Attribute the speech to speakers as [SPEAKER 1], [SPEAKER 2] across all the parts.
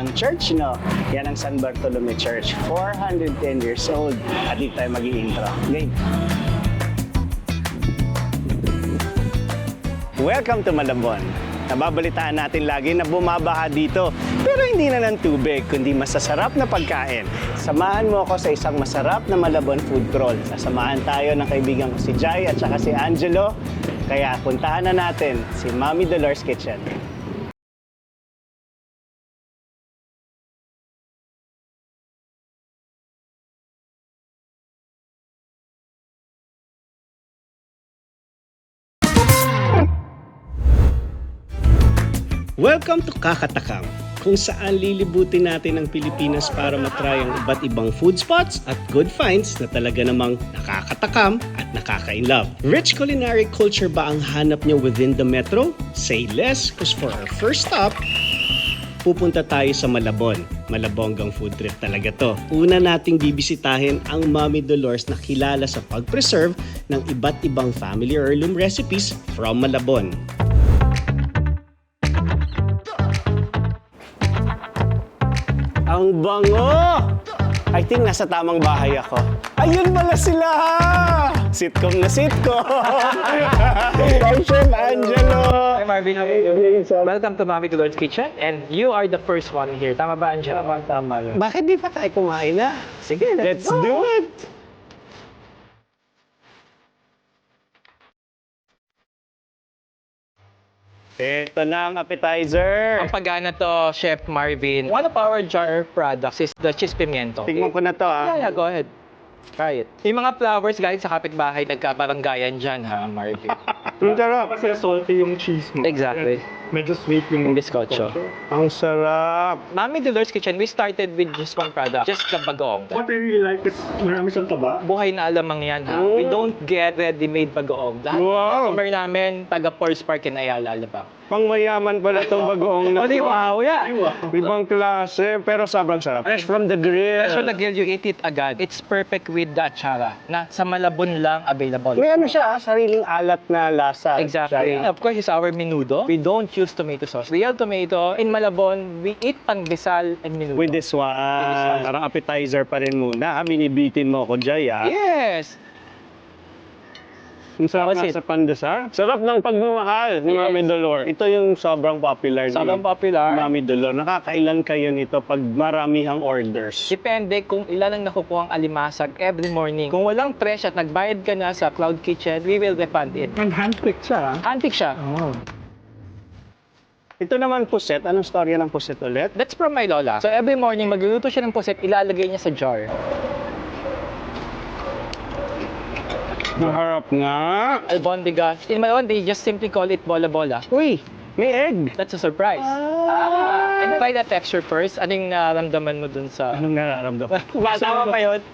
[SPEAKER 1] ng church, no? Yan ang San Bartolome Church. 410 years old. At dito tayo mag-i-intro. Game! Welcome to Malabon. Nababalitaan natin lagi na bumabaha dito. Pero hindi na ng tubig, kundi masasarap na pagkain. Samahan mo ako sa isang masarap na Malabon food crawl. Sasamahan tayo ng kaibigan ko si Jai at saka si Angelo. Kaya puntahan na natin si Mami Dolores Kitchen. Welcome to Kakatakam, kung saan lilibutin natin ang Pilipinas para matry ang iba't ibang food spots at good finds na talaga namang nakakatakam at nakaka-inlove. Rich culinary culture ba ang hanap niyo within the metro? Say less, because for our first stop, pupunta tayo sa Malabon. Malabonggang food trip talaga to. Una nating bibisitahin ang Mami Dolores na kilala sa pag-preserve ng iba't ibang family heirloom recipes from Malabon. Ang bango! I think nasa tamang bahay ako. Ayun pala sila! Sitcom na sitcom! Hi, Chef Angelo!
[SPEAKER 2] Hi Marvin, welcome to Mami Dolores Kitchen and you are the first one here. Tama ba, Angelo?
[SPEAKER 1] Tama yun. Bakit di pa tayo kumain na?
[SPEAKER 2] Sige,
[SPEAKER 1] Let's do it! Ito na ang appetizer.
[SPEAKER 2] Ang pagana to, Chef Marvin. One of our jar products is the cheese pimiento.
[SPEAKER 1] Tingnan ko na to
[SPEAKER 2] Yeah, go ahead. Try it. Yung mga flowers galing sa kapitbahay, nagkabaranggayan dyan ha, Marvin.
[SPEAKER 1] Ang sarap.
[SPEAKER 3] Kasi salty yung cheese mo.
[SPEAKER 2] Exactly.
[SPEAKER 3] Medyo sweet yung
[SPEAKER 2] Yung bizcocho.
[SPEAKER 1] Ang sarap.
[SPEAKER 2] Mami Dolores Kitchen, we started with just one product, just the bagoong.
[SPEAKER 3] What I really like is marami siyang taba.
[SPEAKER 2] Buhay na alamang yan ha. We don't get ready-made bagoong. Lahat ng
[SPEAKER 1] Wow.
[SPEAKER 2] customer namin, taga Forest Park and Ayala, Alabang.
[SPEAKER 1] Pang mayaman pala itong bagoong na.
[SPEAKER 2] Oh, di wow, yeah.
[SPEAKER 1] Ibang klase, pero sobrang sarap. Fresh from the grill.
[SPEAKER 2] So nag-grill, you eat it agad. It's perfect with the atsara na sa Malabon lang available.
[SPEAKER 1] May ano siya, sariling alat na lasa.
[SPEAKER 2] Exactly. Of course, it's our menudo. We don't use tomato sauce. Real tomato. In Malabon, we eat pandesal and menudo.
[SPEAKER 1] With this one, parang appetizer pa rin muna. Binibitin mo ko, Jay,
[SPEAKER 2] Yes!
[SPEAKER 1] Ang sarap
[SPEAKER 2] That's
[SPEAKER 1] nga sa pandesal. Sarap ng pagmamahal ni
[SPEAKER 2] Yes.
[SPEAKER 1] Mami Dolores. Ito yung sobrang popular
[SPEAKER 2] Sobrang
[SPEAKER 1] ni
[SPEAKER 2] popular.
[SPEAKER 1] Mami Dolores. Nakakailan kayo nito pag maramihang orders?
[SPEAKER 2] Depende kung ilan ang nakukuha ang alimasag every morning. Kung walang fresh at nagbayad ka na sa Cloud Kitchen, we will refund it.
[SPEAKER 3] And handpicked siya.
[SPEAKER 2] Handpick siya.
[SPEAKER 3] Oh.
[SPEAKER 1] Ito naman puset. Anong storya ng puset ulit?
[SPEAKER 2] That's from my lola. So every morning, magluluto siya ng puset, ilalagay niya sa jar.
[SPEAKER 1] Maharap nga.
[SPEAKER 2] Albondigas. In Malabon, they just simply call it bola-bola.
[SPEAKER 1] Uy, may egg.
[SPEAKER 2] That's a surprise. And try the texture first. Anong nararamdaman mo dun sa...
[SPEAKER 1] Anong nararamdaman?
[SPEAKER 2] Tama pa yun?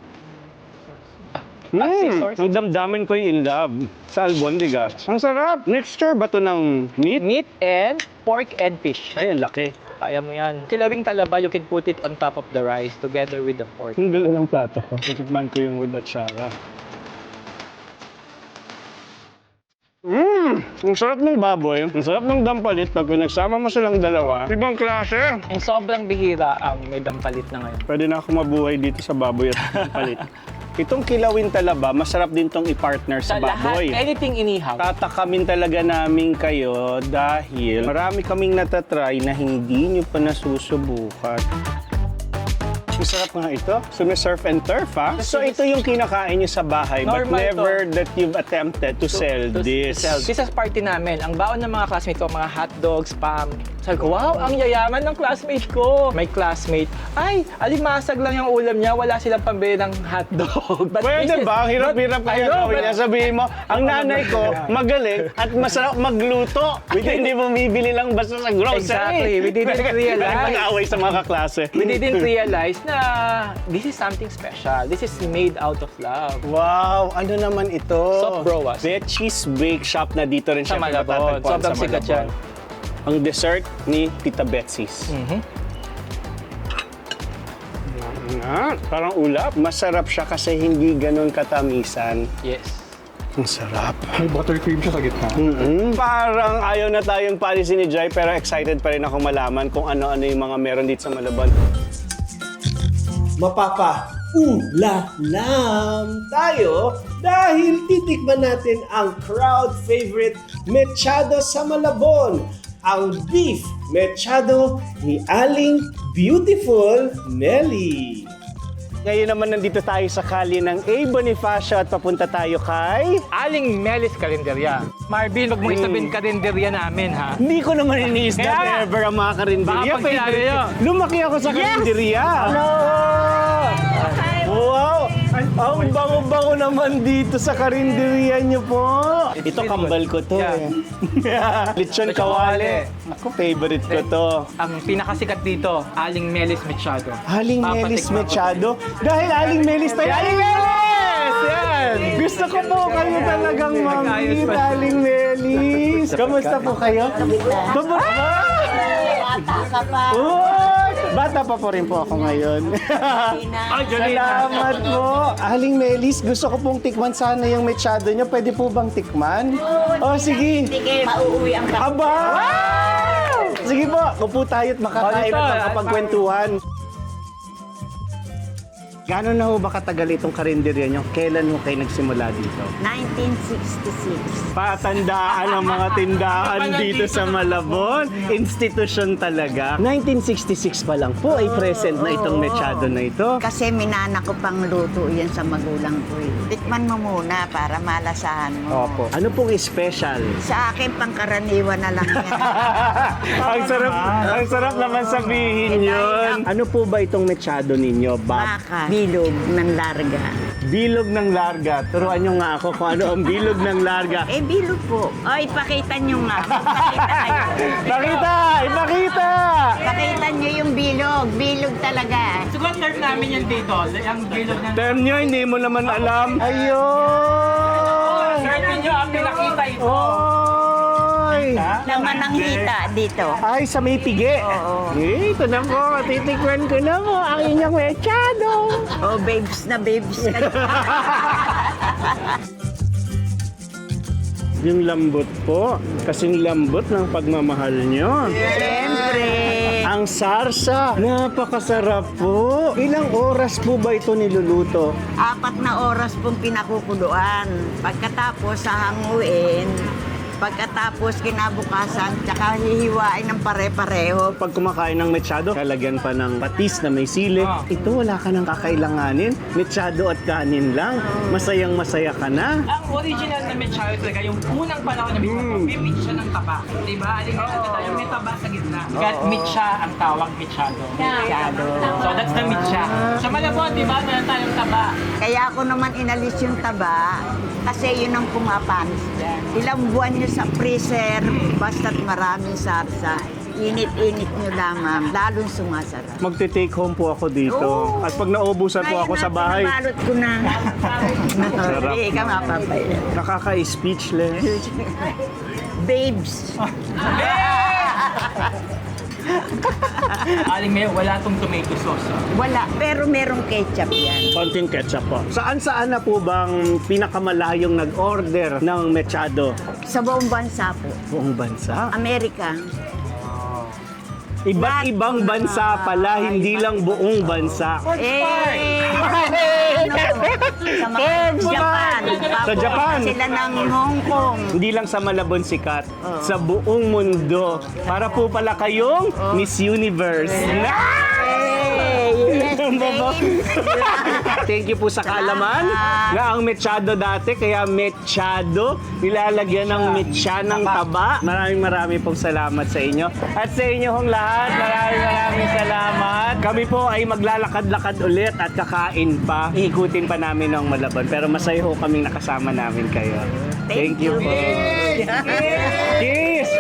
[SPEAKER 1] Ang damdamin ko yung in love sa albondigas. Ang sarap. Mixture ba to ng meat?
[SPEAKER 2] Meat and pork and fish.
[SPEAKER 1] Ay, ang laki.
[SPEAKER 2] Kaya mo yan. Kilawing talaba, you can put it on top of the rice together with the pork.
[SPEAKER 1] Ang gala ng plato ko. Titikman ko yung with atsara. Ang sarap ng baboy. Ang sarap ng dampalit pag nagsama mo silang dalawa. Ibang klase.
[SPEAKER 2] And sobrang bihira ang may dampalit na ngayon.
[SPEAKER 1] Pwede na ako mabuhay dito sa baboy at dampalit. Itong kilawin talaba, masarap din tong i-partner sa baboy.
[SPEAKER 2] Lahat, anything inihaw.
[SPEAKER 1] Tatakamin talaga namin kayo dahil marami kaming natatry na hindi nyo pa nasusubukan. Ang sarap nga ito. So may surf and turf, ha? So ito yung kinakain nyo sa bahay, but
[SPEAKER 2] Normal
[SPEAKER 1] never that you've attempted to sell this.
[SPEAKER 2] This is party namin. Ang baon ng mga classmates ko, mga hotdogs, spam. Sabi ko, wow, ang yayaman ng classmate ko. May classmate, ay, alimasag lang yung ulam niya, wala silang pambili ng hotdog. But
[SPEAKER 1] Pwede
[SPEAKER 2] this is-
[SPEAKER 1] ba? Ang hirap-hirap
[SPEAKER 2] but-
[SPEAKER 1] kaya
[SPEAKER 2] I know,
[SPEAKER 1] gawin
[SPEAKER 2] but-
[SPEAKER 1] niya. Sabihin mo, ang nanay ko magaling at masarap magluto. Hindi mo bibili lang basta sa grocery.
[SPEAKER 2] Exactly. We didn't realize.
[SPEAKER 1] Mag-away sa mga kaklase.
[SPEAKER 2] We didn't realize na this is something special. This is made out of love.
[SPEAKER 1] Wow, ano naman ito?
[SPEAKER 2] Soft broas.
[SPEAKER 1] Cheese Bake Shop na dito rin
[SPEAKER 2] Sa
[SPEAKER 1] siya
[SPEAKER 2] Malabon.
[SPEAKER 1] matatagpuan
[SPEAKER 2] Sobrang
[SPEAKER 1] sa
[SPEAKER 2] sikat
[SPEAKER 1] Malabon.
[SPEAKER 2] yan.
[SPEAKER 1] Ang dessert ni Tita Betsy's. Nga, parang ulap. Masarap siya kasi hindi ganun katamisan.
[SPEAKER 2] Yes.
[SPEAKER 1] Ang sarap.
[SPEAKER 3] May buttercream siya sa gitna.
[SPEAKER 1] Parang ayaw na tayong palisin ni Jai pero excited pa rin ako malaman kung ano-ano yung mga meron dito sa Malabon. Mapapa-ulalam tayo dahil titikman natin ang crowd favorite mechado sa Malabon, ang beef mechado ni Aling Beautiful Melly. Ngayon naman nandito tayo sa kalye ng A. Bonifacio at papunta tayo kay...
[SPEAKER 2] Aling Melis Karinderya. Marvin, wag mong isabihin karinderya namin, ha?
[SPEAKER 1] Hindi ko naman iniisda
[SPEAKER 2] Kaya nga.
[SPEAKER 1] ever ang mga karinderya.
[SPEAKER 2] Baka pag sinabi nyo.
[SPEAKER 1] Lumaki ako sa karinderya.
[SPEAKER 2] Hello!
[SPEAKER 1] Wow! Ang bango-bango naman dito sa karinderya niyo po. Ito kambal ko to
[SPEAKER 2] Yeah.
[SPEAKER 1] eh. Lechon kawale. Ako, favorite ko to.
[SPEAKER 2] Ang pinakasikat dito, Aling Melis Machado.
[SPEAKER 1] Aling Melis
[SPEAKER 2] Papatikman ko.
[SPEAKER 1] Mechado. Dahil Aling Melis tayo. Aling Melis! Yan! Gusto ko po kayo talagang
[SPEAKER 2] Nag-ayos
[SPEAKER 1] mamit,
[SPEAKER 2] pa.
[SPEAKER 1] Aling Melis. Kamusta po kayo? Kamusta?
[SPEAKER 4] Bata ka pa.
[SPEAKER 1] Uy! Bata pa po rin po ako ngayon.
[SPEAKER 2] Ay, Jolene.
[SPEAKER 1] Salamat po. Aling Melis, gusto ko pong tikman sana yung mechado nyo. Pwede po bang tikman? Oh, sige.
[SPEAKER 4] Sige, mauuwi ang kapatid.
[SPEAKER 1] Aba! Sige po, upo tayo at makakain
[SPEAKER 2] Oh,
[SPEAKER 1] at
[SPEAKER 2] dito.
[SPEAKER 1] makapagkwentuhan. Gano'n na ho ba katagal itong karinderya nyo? Kailan ho kayo nagsimula dito?
[SPEAKER 4] 1966.
[SPEAKER 1] Patandaan ang mga tindahan dito sa Malabon. Institusyon talaga. 1966 pa lang po ay present na itong mechado na ito.
[SPEAKER 4] Kasi minana ko pang luto yan sa magulang ko eh. Tikman mo muna para malasahan mo.
[SPEAKER 1] Opo. Ano pong special?
[SPEAKER 4] Sa akin, pangkaraniwan na lang yan.
[SPEAKER 1] Ang sarap naman sabihin yun. Ano po ba itong mechado ninyo, Bob?
[SPEAKER 4] Baka, bilog ng larga.
[SPEAKER 1] Bilog ng larga. Turuan nyo nga ako kung ano ang bilog ng larga.
[SPEAKER 4] Eh, bilog po. O, ipakita nyo nga. Ipakita kayo.
[SPEAKER 1] Pakita! Ipakita!
[SPEAKER 4] Pakita nyo yung bilog. Bilog talaga.
[SPEAKER 2] Siguro term namin yan dito. Ang bilog ng...
[SPEAKER 1] Term nyo, hindi mo naman alam. Ayun!
[SPEAKER 2] Term nyo ang pinakita ito.
[SPEAKER 1] Oy!
[SPEAKER 4] Laman ng hita dito.
[SPEAKER 1] Ay, sa may pigi.
[SPEAKER 4] Oo.
[SPEAKER 1] Eh, ito na po. Titikman ko na po ang inyong mechado.
[SPEAKER 4] Oh, babes na babes.
[SPEAKER 1] Yung lambot po. Kasing lambot ng pagmamahal nyo.
[SPEAKER 4] Siyempre.
[SPEAKER 1] Ang sarsa. Napakasarap po. Ilang oras po ba ito niluluto?
[SPEAKER 4] 4 na oras pong pinakukuluan. Pagkatapos sa hanguin, pagkatapos kinabukasan, tsaka hihiwain ng pare-pareho.
[SPEAKER 1] Pag kumakain ng mechado, lalagyan pa ng patis na may sili.
[SPEAKER 2] Ah.
[SPEAKER 1] Ito, wala ka nang kakailanganin. Mechado at kanin lang. Masayang masaya ka na.
[SPEAKER 2] Ang original na mechado talaga, yung unang panahon na mechado, may meat siya ng taba. Diba? Aling yung may taba sa gitna. Kaya meat siya ang tawag mechado.
[SPEAKER 4] Masyado.
[SPEAKER 2] So that's the meat siya. Sa Malabon, di ba? Meron tayong taba.
[SPEAKER 4] Kaya ako naman inalis yung taba, kasi yun ang pumapanis dyan. Ilang buwan nyo sa freezer, basta't maraming sarsa. Init-init nyo lamang, lalong sumasarap.
[SPEAKER 1] Magte-take home po ako dito.
[SPEAKER 4] Oo.
[SPEAKER 1] At pag naubusan po ako sa bahay,
[SPEAKER 4] Nabalot ko na.
[SPEAKER 1] Sarap.
[SPEAKER 4] Hindi ka mapapaya.
[SPEAKER 1] nakaka-speechless.
[SPEAKER 4] Babes.
[SPEAKER 2] Aling Mayo, wala tong tomato sauce.
[SPEAKER 4] Wala, pero merong ketchup yan.
[SPEAKER 1] Konting ketchup po. Saan-saan na po bang pinakamalayong nag-order ng mechado?
[SPEAKER 4] Sa buong bansa po.
[SPEAKER 1] Buong bansa?
[SPEAKER 4] Amerika.
[SPEAKER 1] Iba't ibang bansa pala, hindi lang buong bansa.
[SPEAKER 4] Sa Japan.
[SPEAKER 1] Sa Japan.
[SPEAKER 4] Sila ng Hong Kong.
[SPEAKER 1] Hindi lang sa Malabon sikat, sa buong mundo. Para po pala kayong Miss Universe.
[SPEAKER 4] Yes, babes.
[SPEAKER 1] Thank you po sa kaalaman na ang mechado dati, kaya mechado, nilalagyan ng mecha ng taba. Maraming pong salamat sa inyo. At sa inyo hong lahat, maraming salamat. Kami po ay maglalakad-lakad ulit at kakain pa. Iikutin pa namin ang Malabon. Pero masaya ho kaming nakasama namin kayo. Thank you po. Cheers!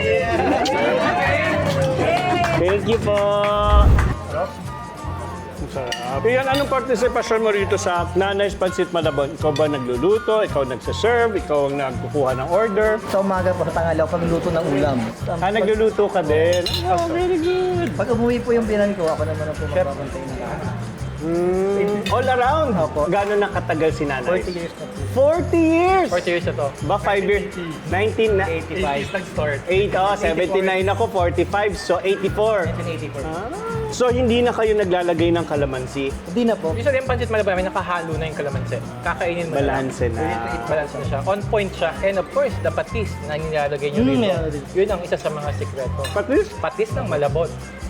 [SPEAKER 1] Thank you po. Iyan, anong partisipasyon mo rito sa Nanay's Pancit Malabon? Ikaw ba nagluluto? Ikaw nagsaserve? Ikaw ang nagkukuha ng order?
[SPEAKER 5] Sa umaga po, sa tanghali ako pagluluto ng ulam.
[SPEAKER 1] Nagluluto ka din? Oh, very good.
[SPEAKER 5] Pag umuwi po yung binan ko, ako naman ang po magbabantay na lahat.
[SPEAKER 1] All around?
[SPEAKER 5] Opo.
[SPEAKER 1] Gano'n na katagal si nanay?
[SPEAKER 5] 40 years na po.
[SPEAKER 1] 40 years!
[SPEAKER 2] 40 years na to.
[SPEAKER 1] Ba 5 years? 19 na?
[SPEAKER 5] 85.
[SPEAKER 3] nag-start.
[SPEAKER 1] 79 ako, 45, so 84.
[SPEAKER 5] 1984.
[SPEAKER 1] So hindi na kayo naglalagay ng kalamansi?
[SPEAKER 5] Hindi na po.
[SPEAKER 2] Usually, yung pancit malabon, may nakahalo na yung kalamansi. Kakainin mo
[SPEAKER 1] Balanse na.
[SPEAKER 2] Balance na siya. On point siya. And of course, the patis na nilalagay nyo rito.
[SPEAKER 5] meron din.
[SPEAKER 2] Yun ang isa sa mga sikreto.
[SPEAKER 1] Patis?
[SPEAKER 2] Patis ng malabon.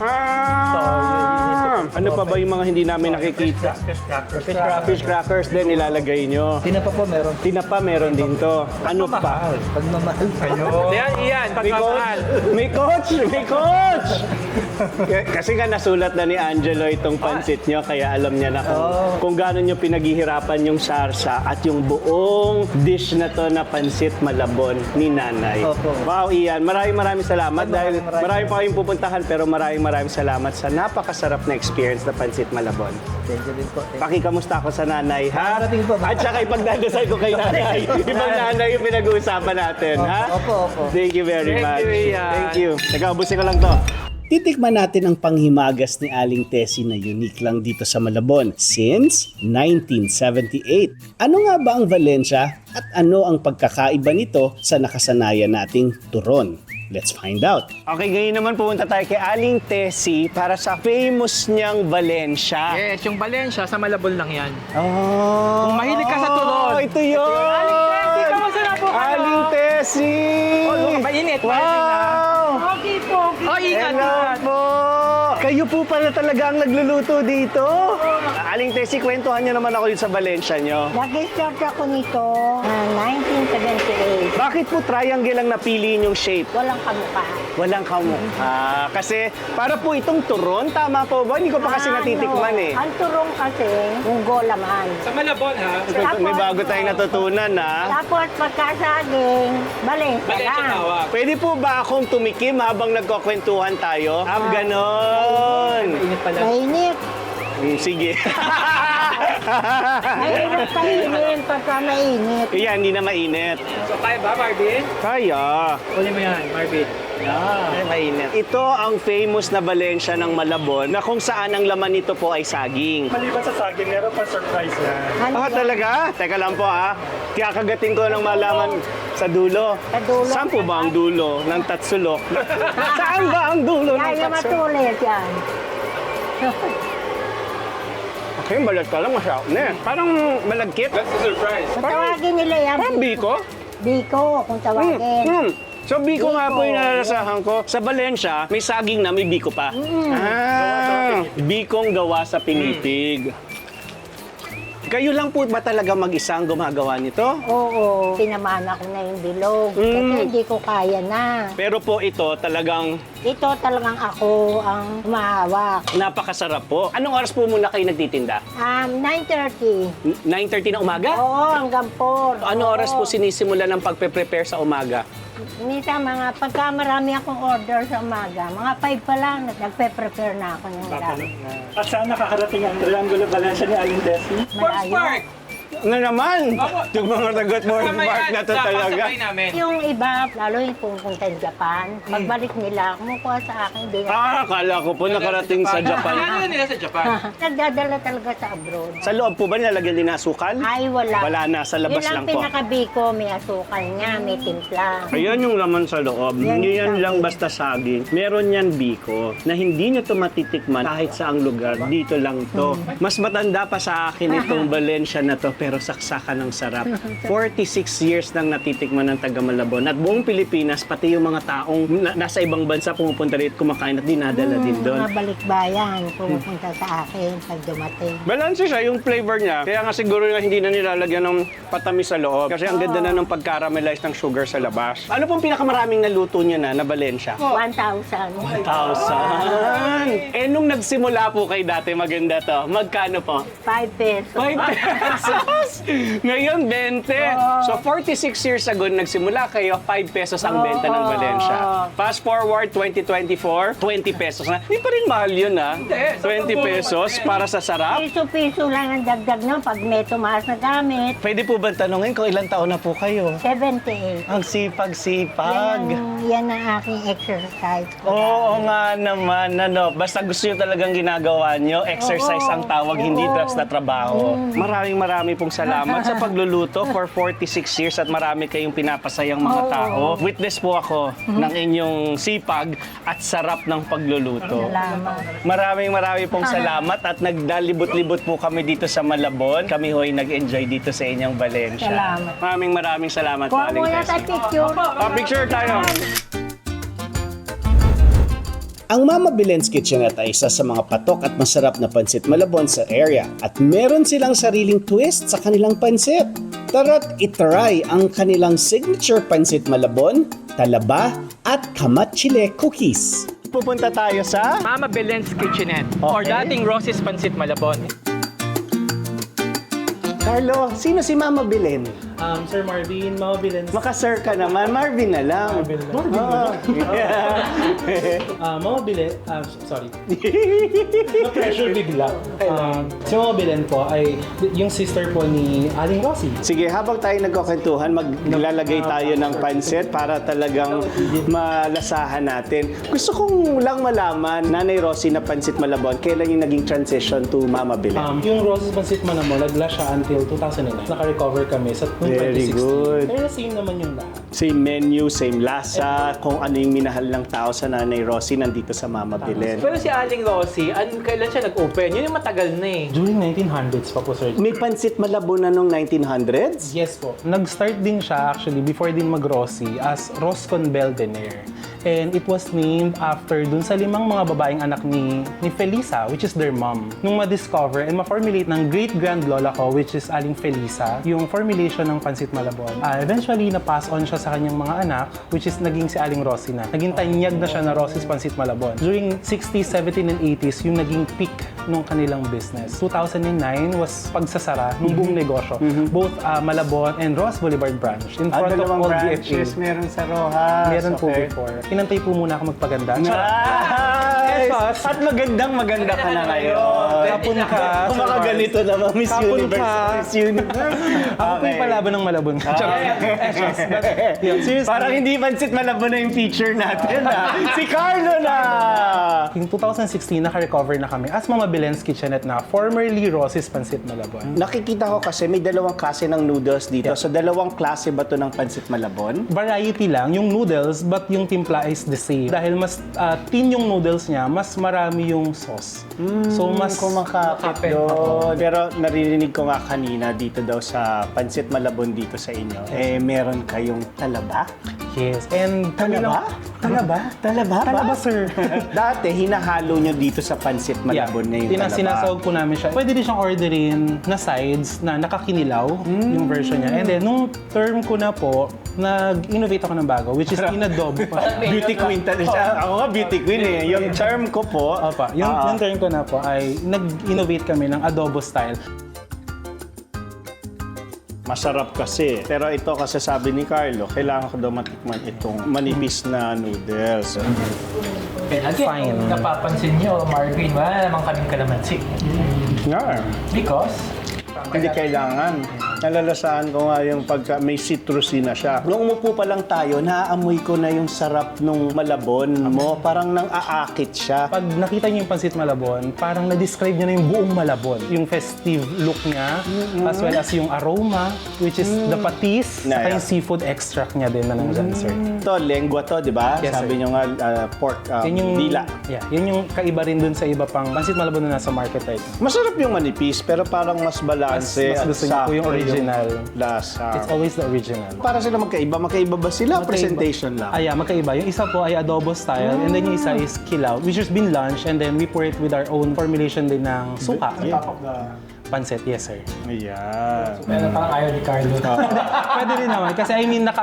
[SPEAKER 1] Ano pa ba yung mga hindi namin nakikita? Fish crackers din nilalagay nyo.
[SPEAKER 5] Tinapa po meron.
[SPEAKER 1] Tinapa meron din to. Ano pa?
[SPEAKER 5] Pagmamahal pa.
[SPEAKER 2] Yan, iyan.
[SPEAKER 1] May
[SPEAKER 2] Pagmamahal.
[SPEAKER 1] coach! May coach! May coach! Kasi nga nasulat na ni Angelo itong pansit nyo, kaya alam niya na kung gaano nyo pinaghihirapan yung sarsa at yung buong dish na to na pansit malabon ni nanay.
[SPEAKER 5] Opo.
[SPEAKER 1] Wow, Ian. Maraming salamat dahil
[SPEAKER 5] maraming
[SPEAKER 1] marami pa kayong pupuntahan pero maraming salamat sa napakasarap na experience na pansit malabon.
[SPEAKER 5] Thank you din po.
[SPEAKER 1] Pakikamusta ako sa nanay, ha?
[SPEAKER 5] Darating po.
[SPEAKER 1] At saka ipagdadasal ko kay nanay. Ibang nanay yung pinag-uusapan natin, ha?
[SPEAKER 5] Opo, opo.
[SPEAKER 1] Thank you very
[SPEAKER 2] Thank
[SPEAKER 1] much.
[SPEAKER 2] you, Ian.
[SPEAKER 1] Thank you. Nag-aubusin ko lang to. Titikman natin ang panghimagas ni Aling Tessie na unique lang dito sa Malabon since 1978. Ano nga ba ang Valencia at ano ang pagkakaiba nito sa nakasanayan nating turon? Let's find out. Okay, ngayon naman pupunta tayo kay Aling Tessie para sa famous niyang Valencia.
[SPEAKER 2] Yes, yung Valencia, sa Malabon lang yan.
[SPEAKER 1] Oh,
[SPEAKER 2] Kung mahilig ka sa turon.
[SPEAKER 1] Ito yun!
[SPEAKER 2] Aling Tessie, kamusta na po kayo?
[SPEAKER 1] Aling Tessie!
[SPEAKER 2] Oh, look, mainit.
[SPEAKER 1] Wow!
[SPEAKER 4] Okay po.
[SPEAKER 2] Oh, ingat.
[SPEAKER 1] Hello po! Kayo po pala talaga ang nagluluto dito? Aling Tessie, kwentuhan niyo naman ako dito sa Valencia niyo.
[SPEAKER 4] Nag-start ako nito 1978.
[SPEAKER 1] Bakit po triangle ang napili yung shape?
[SPEAKER 4] Walang kamukha.
[SPEAKER 1] Walang kamukha. Kasi para po itong turon, tama po ba? Hindi ko pa kasi natitikman eh.
[SPEAKER 4] Ang turong kasi, munggo laman.
[SPEAKER 2] Sa Malabon, ha?
[SPEAKER 1] May bago tayong natutunan ha.
[SPEAKER 4] Tapos pagkasaging, Valencia lang.
[SPEAKER 2] tawag.
[SPEAKER 1] Pwede po ba akong tumikim habang nagkukwentuhan tayo? Ganon.
[SPEAKER 2] Init pala.
[SPEAKER 4] Mainit.
[SPEAKER 1] Sige.
[SPEAKER 4] Mahirap kainin pagka mainit.
[SPEAKER 1] Kaya hindi na mainit.
[SPEAKER 2] So, kaya ba, Marvin?
[SPEAKER 1] Kaya.
[SPEAKER 2] Uli mo yan, Marvin.
[SPEAKER 1] Ay, mainit. Ito ang famous na Valencia ng Malabon na kung saan ang laman nito po ay saging.
[SPEAKER 3] Maliban sa saging, meron pa surprise na.
[SPEAKER 1] Ah, talaga? Teka lang po ha. Kikakagatin ko ng malaman sa dulo.
[SPEAKER 4] Sa dulo.
[SPEAKER 1] Saan po ba ang dulo ng tatsulok? Saan ba ang dulo ng
[SPEAKER 4] Kaya
[SPEAKER 1] tatsulok?
[SPEAKER 4] matulis yan.
[SPEAKER 1] Okay, balat ka lang masyado na eh. Parang malagkit.
[SPEAKER 2] That's the surprise.
[SPEAKER 4] Kung tawagin nila yan,
[SPEAKER 1] Parang biko.
[SPEAKER 4] Biko, kung tawagin.
[SPEAKER 1] So, biko nga po
[SPEAKER 4] Biko.
[SPEAKER 1] yung nalalasahan ko. Sa Valencia, may saging na may biko pa. Bikong gawa sa pinipig. Kayo lang po ba talaga mag-isang gumagawa nito?
[SPEAKER 4] Oo, pinamana ko na yung bilog. Kasi hindi ko kaya na.
[SPEAKER 1] Pero po ito talagang
[SPEAKER 4] Ito talagang ako ang humahawak.
[SPEAKER 1] napakasarap po. Anong oras po muna kayo nagtitinda?
[SPEAKER 4] 9:30.
[SPEAKER 1] 9:30 ng umaga?
[SPEAKER 4] Oo, hanggang 4.
[SPEAKER 1] Ano oras po sinisimula ng pagpe-prepare sa umaga?
[SPEAKER 4] Minsan pagka marami akong order sa umaga, mga 5 pa lang, nagpe-prepare na ako ng dami.
[SPEAKER 3] At saan nakakarating ang Triangulo Valencia ni Aling Tessie?
[SPEAKER 4] Malayo.
[SPEAKER 1] Ano naman? Yung mga tagot mo, Mark na to talaga.
[SPEAKER 2] namin.
[SPEAKER 4] Yung iba, lalo yung pupunta sa Japan, pagbalik nila, kumukuha sa akin, hindi na.
[SPEAKER 1] Akala ko po nakarating sa Japan.
[SPEAKER 2] Ano nila sa Japan?
[SPEAKER 4] Nagdadala talaga sa abroad.
[SPEAKER 1] Sa loob po ba nilalagyan din ng asukal?
[SPEAKER 4] Ay, wala.
[SPEAKER 1] Wala na, sa labas
[SPEAKER 4] Yun
[SPEAKER 1] lang
[SPEAKER 4] lang
[SPEAKER 1] po.
[SPEAKER 4] pinakabiko, may asukal niya, may timpla.
[SPEAKER 1] Ayan yung laman sa loob.
[SPEAKER 4] Yan
[SPEAKER 1] Hindi yan
[SPEAKER 4] yung
[SPEAKER 1] lang
[SPEAKER 4] saging.
[SPEAKER 1] basta saging. Meron yan biko na hindi nyo to matitikman kahit saang lugar. Dito lang to. Mas matanda pa sa akin itong Valencia na to pero saksakan ng sarap. 46 years nang natitikman ng taga Malabon. At buong Pilipinas, pati yung mga taong nasa ibang bansa pumupunta rito kumakain at dinadala din doon.
[SPEAKER 4] Mga balikbayan, pumupunta sa akin pag dumating.
[SPEAKER 1] Balanse siya, yung flavor niya. Kaya nga siguro nga hindi na nilalagyan ng patamis sa loob. Kasi ang ganda na ng pag-caramelize ng sugar sa labas. Ano pong pinakamaraming naluto niya na Valencia?
[SPEAKER 4] 1,000.
[SPEAKER 1] 1,000! Eh, nung nagsimula po kayo dati, maganda to. Magkano po?
[SPEAKER 4] 5 pesos.
[SPEAKER 1] 5 pesos! Ngayon, 20. So, 46 years ago, nagsimula kayo, 5 pesos ang benta ng Valencia. Fast forward, 2024, 20 pesos na. Hindi pa rin mahal yun, ha? 20 pesos para sa sarap.
[SPEAKER 6] Piso-piso lang ang dagdag nyo pag may tumaas na gamit.
[SPEAKER 1] Pwede po ba tanungin kung ilang taon na po kayo?
[SPEAKER 6] 78.
[SPEAKER 1] Ang sipag-sipag.
[SPEAKER 6] Yan ang aking exercise.
[SPEAKER 1] Oo nga naman, ano. Basta gusto nyo talagang ginagawa nyo, exercise ang tawag, hindi drugs na trabaho. Maraming pong salamat sa pagluluto for 46 years at marami kayong pinapasayang mga tao. Witness po ako ng inyong sipag at sarap ng pagluluto.
[SPEAKER 6] Salamat.
[SPEAKER 1] Maraming pong salamat at nagdalibot-libot po kami dito sa Malabon. Kami ho'y nag-enjoy dito sa inyong Valencia.
[SPEAKER 6] Salamat.
[SPEAKER 1] Maraming salamat,
[SPEAKER 6] Kuha
[SPEAKER 1] Aling
[SPEAKER 6] muna
[SPEAKER 1] Tessie.
[SPEAKER 6] tayo picture.
[SPEAKER 1] Picture tayo.
[SPEAKER 7] Ang Mama Belen's Kitchenette ay isa sa mga patok at masarap na pansit Malabon sa area at meron silang sariling twist sa kanilang pansit. Tara't itry ang kanilang signature pansit Malabon, talaba at kamat chile cookies.
[SPEAKER 1] Pupunta tayo sa...
[SPEAKER 2] Mama Belen's Kitchenette or dating Rosy's Pancit Malabon.
[SPEAKER 1] Carlo, sino si Mama Belen?
[SPEAKER 3] Sir Marvin, Mama Bilens.
[SPEAKER 1] Maka-sir ka naman, Marvin na lang.
[SPEAKER 3] Mama Bilen, sorry. Na-pressure bigla. Si Mama Bilen po ay yung sister po ni Aling Rosy.
[SPEAKER 1] Sige, habang tayo nagkukwentuhan, maglalagay tayo ng pansit para talagang malasahan natin. Gusto kong lang malaman, Nanay Rosy na Pansit Malabon, kailan yung naging transition to Mama Belen?
[SPEAKER 3] Yung Roses Pancit Manamo, nagla siya until 2009. Naka-recover kami sa
[SPEAKER 1] Very
[SPEAKER 3] 2016.
[SPEAKER 1] good.
[SPEAKER 3] Pero same naman yung lahat.
[SPEAKER 1] Same menu, same lasa, kung ano yung minahal ng tao sa Nanay Rosy nandito sa Mama Belen.
[SPEAKER 2] Pero si Aling Rosy, kailan siya nag-open? Yun yung matagal na eh.
[SPEAKER 3] During 1900s pa po, sir.
[SPEAKER 1] May Pansit Malabon na nung 1900s?
[SPEAKER 3] Yes po. Nag-start din siya actually before din mag-Rosy as Roscon Belvedere. And it was named after dun sa 5 mga babaeng anak ni Felisa, which is their mom. Nung ma-discover and ma-formulate ng great-grand lola ko, which is Aling Felisa, yung formulation ng Pansit Malabon. Eventually, na-pass on siya sa kanyang mga anak, which is naging si Aling Rosy na. Naging tanyag na siya na Rosy's Pansit Malabon. During 60s, 70s, and 80s, yung naging peak nung kanilang business. 2009 was pagsasara ng buong negosyo. Both Malabon and Ross Boulevard branch. In front of
[SPEAKER 1] Dalawang
[SPEAKER 3] all
[SPEAKER 1] branches,
[SPEAKER 3] DFA.
[SPEAKER 1] meron sa Rojas.
[SPEAKER 3] Meron po
[SPEAKER 1] Okay.
[SPEAKER 3] before. Inantay po muna ako magpaganda.
[SPEAKER 1] Nice! At maganda ka na ngayon.
[SPEAKER 3] Kapon ka.
[SPEAKER 1] Kung makaganito naman, Miss
[SPEAKER 3] Kapon
[SPEAKER 1] Universe.
[SPEAKER 3] ka.
[SPEAKER 1] Miss Universe.
[SPEAKER 3] Ako po yung palaban ng Malabon. Seriously.
[SPEAKER 1] Parang hindi Pansit Malabon na yung feature natin, ha? Si Carlo na!
[SPEAKER 3] In 2016, naka-recover na kami as Mama Belen's Kitchenette na, formerly Rosy's Pancit Malabon.
[SPEAKER 1] Nakikita ko kasi may dalawang klase ng noodles dito. So, dalawang klase ba to ng Pansit Malabon?
[SPEAKER 3] Variety lang, yung noodles, but yung timpla is the same. Dahil mas thin yung noodles niya, mas marami yung sauce. So, mas
[SPEAKER 1] Kumakapit doon. Pero naririnig ko nga kanina dito daw sa Pansit Malabon dito sa inyo, meron kayong talaba?
[SPEAKER 3] yes. And
[SPEAKER 1] Talaba? Talaba? Talaba ba?
[SPEAKER 3] Talaba, sir.
[SPEAKER 1] Dati, hinahalo nyo dito sa Pansit Malabon na yung talaba.
[SPEAKER 3] Sinasawag po namin siya. Pwede din siyang orderin na sides na nakakinilaw, yung version niya. And then, nung term ko na po, nag-innovate ako ng bago, which is inadobo pa siya.
[SPEAKER 1] Beauty queen talaga siya. Ako nga beauty queen eh. Yung charm ko po.
[SPEAKER 3] Opa, yung term ko na po ay nag-innovate kami ng adobo style.
[SPEAKER 1] Masarap kasi. Pero ito kasi sabi ni Carlo, kailangan ko daw matikman itong manipis na noodles.
[SPEAKER 3] Fine.
[SPEAKER 2] Napapansin nyo, Marvin, wala namang kaming kalamansi.
[SPEAKER 1] Yeah.
[SPEAKER 2] Because,
[SPEAKER 1] Hindi kailangan. Nalalasaan ko nga yung pagka may citrusy na siya. Nung umupo pa lang tayo, naaamoy ko na yung sarap nung Malabon mo. Parang nang aakit siya.
[SPEAKER 3] Pag nakita niyo yung Pansit Malabon, parang na-describe niya na yung buong Malabon. Yung festive look niya, as well as yung aroma, which is the patis,
[SPEAKER 1] Yeah,
[SPEAKER 3] saka
[SPEAKER 1] yeah.
[SPEAKER 3] yung seafood extract niya din na nandyan, sir.
[SPEAKER 1] Ito, lengua to, di ba?
[SPEAKER 3] Yes,
[SPEAKER 1] Sabi
[SPEAKER 3] sir.
[SPEAKER 1] nyo nga, pork,
[SPEAKER 3] Yun yung,
[SPEAKER 1] dila.
[SPEAKER 3] Yeah, yun yung kaiba rin dun sa iba pang Pansit Malabon na nasa market right now.
[SPEAKER 1] Masarap yung manipis, pero parang mas balanse
[SPEAKER 3] Mas
[SPEAKER 1] at
[SPEAKER 3] gusto niyo po yung
[SPEAKER 1] sakto
[SPEAKER 3] original.
[SPEAKER 1] lasa.
[SPEAKER 3] It's always the original.
[SPEAKER 1] Para sila magkaiba. Magkaiba ba sila? Presentation lang.
[SPEAKER 3] Yeah, magkaiba. Yung isa po ay adobo style, and then yung isa is kilaw, which has been launched, and then we pour it with our own formulation din ng suka. Pancit, yes sir.
[SPEAKER 1] Ayan.
[SPEAKER 2] parang ayaw ni Carlo.
[SPEAKER 3] Pwede rin naman, kasi I mean,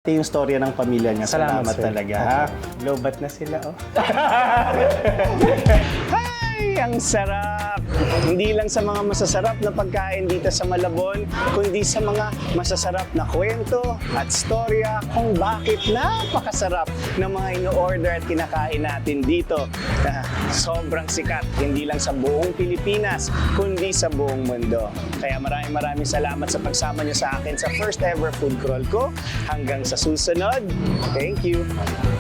[SPEAKER 7] Yung storya ng pamilya niya.
[SPEAKER 3] Salamat,
[SPEAKER 7] Salamat
[SPEAKER 3] sir.
[SPEAKER 7] talaga, ha? Lobat na sila, oh. Ay, ang sarap! Hindi lang sa mga masasarap na pagkain dito sa Malabon, kundi sa mga masasarap na kwento at storya kung bakit napakasarap ng mga ino-order at kinakain natin dito. Sobrang sikat, hindi lang sa buong Pilipinas, kundi sa buong mundo. Kaya maraming salamat sa pagsama niyo sa akin sa first ever food crawl ko. Hanggang sa susunod, thank you!